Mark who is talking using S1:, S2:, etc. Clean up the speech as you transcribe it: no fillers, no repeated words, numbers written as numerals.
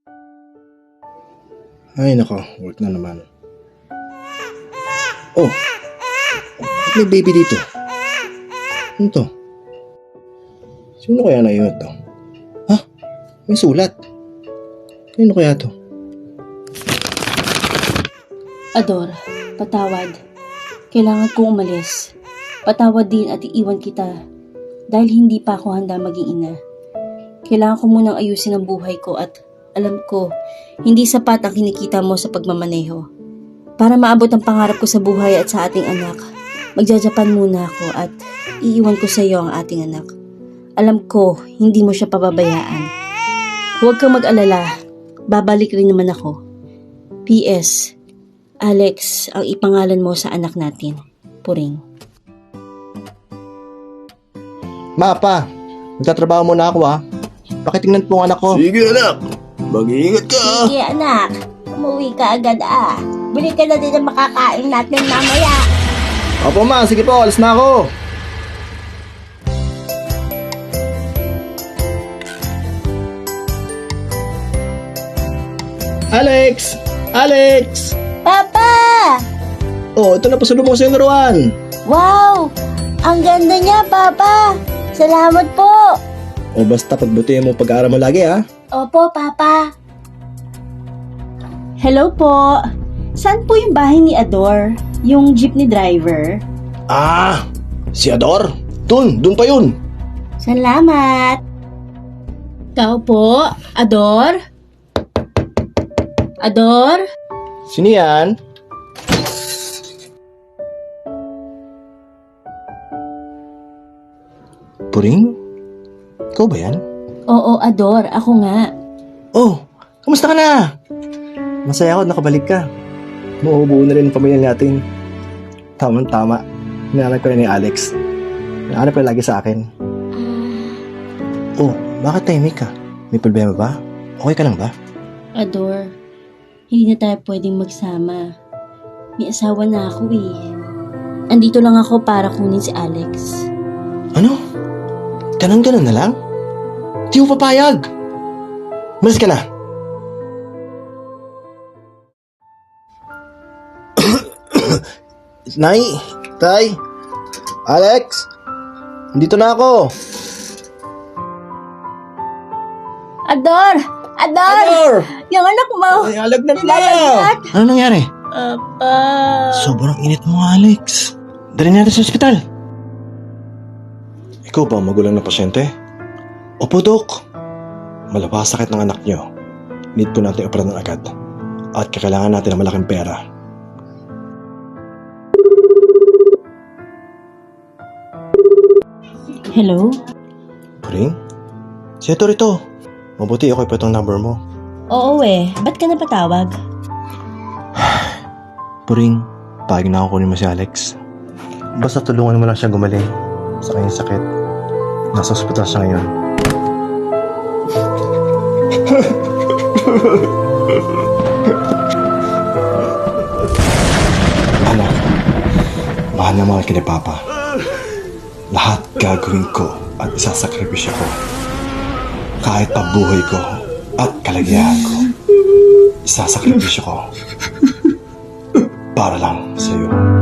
S1: Ay nako, work na naman. Oh, may baby dito. Ano to? Sino kaya naiwan to? Ha? May sulat. Sino kaya to?
S2: Ador, patawad. Kailangan kong umalis. Patawad din at iiwan kita dahil hindi pa ako handa maging ina. Kailangan ko munang ayusin ang buhay ko at alam ko, hindi sapat ang kinikita mo sa pagmamaneho. Para maabot ang pangarap ko sa buhay at sa ating anak, magjajapan muna ako at iiwan ko sa iyo ang ating anak. Alam ko, hindi mo siya pababayaan. Huwag kang mag-alala, babalik rin naman ako. P.S. Alex, ang ipangalan mo sa anak natin. Puring.
S1: Ma, pa, magtatrabaho muna ako ha. Pakitingnan po ang anak ko.
S3: Sige anak, mag-iingat ka.
S2: Sige anak, umuwi ka agad ah. Bili ka na din ang makakain natin mamaya.
S1: Opo ma, sige po, alis na ako. Alex! Alex!
S2: Papa!
S1: Oh, ito na pasalubong sa yung laruan.
S2: Wow! Ang ganda niya, Papa! Salamat po!
S1: O basta pagbutihin mo pag-aaral mo lagi ha.
S2: Opo, Papa. Hello po. Saan po yung bahay ni Ador? Yung jeepney driver?
S1: Ah, si Ador. Dun pa yun.
S2: Salamat. Ikaw po, Ador? Ador?
S1: Sino yan? Puring? Ikaw ba yan?
S2: Oo, Ador. Ako nga.
S1: Oh, kamusta ka na? Masaya ako nakabalik ka. Mauubuo na rin ang pamilya natin. Tama-tama. Hinahanap ko na ni Alex. Hinahanap ko lagi sa akin. Oh, bakit tahimik ka? May problema ba? Okay ka lang ba?
S2: Ador, hindi na tayo pwedeng magsama. May asawa na ako eh. Andito lang ako para kunin si Alex.
S1: Ano? Ganun na lang? Di mo papayag. Malis ka na. Nay, Tay, Alex, dito na ako.
S2: Ador! Ador! Yung anak mo!
S1: Ay, alagnat na!
S2: Nilalagnat!
S1: Ano nangyari?
S2: Papa!
S1: Sobrang init mo, Alex. Dali natin sa ospital. Ikaw ba ang magulang na pasyente? Opo, Dok. Malabas sakit ng anak niyo. Need po natin operahan agad. At kakailangan natin ng malaking pera.
S2: Hello?
S1: Puring? Si Ito rito. Mabuti ako ipatong number mo.
S2: Oo eh. Ba't ka napatawag?
S1: Puring, pahig na ako kunin mo si Alex. Basta tulungan mo lang siya gumaling sa kanyang sakit. Nasa ospital siya ngayon. Anak, mahal na mahal ka ni Papa. Lahat gagawin ko at isasakripisyo ko. Kahit pa buhay ko at kalagayahan ko, isasakripisyo ko para lang sa iyo.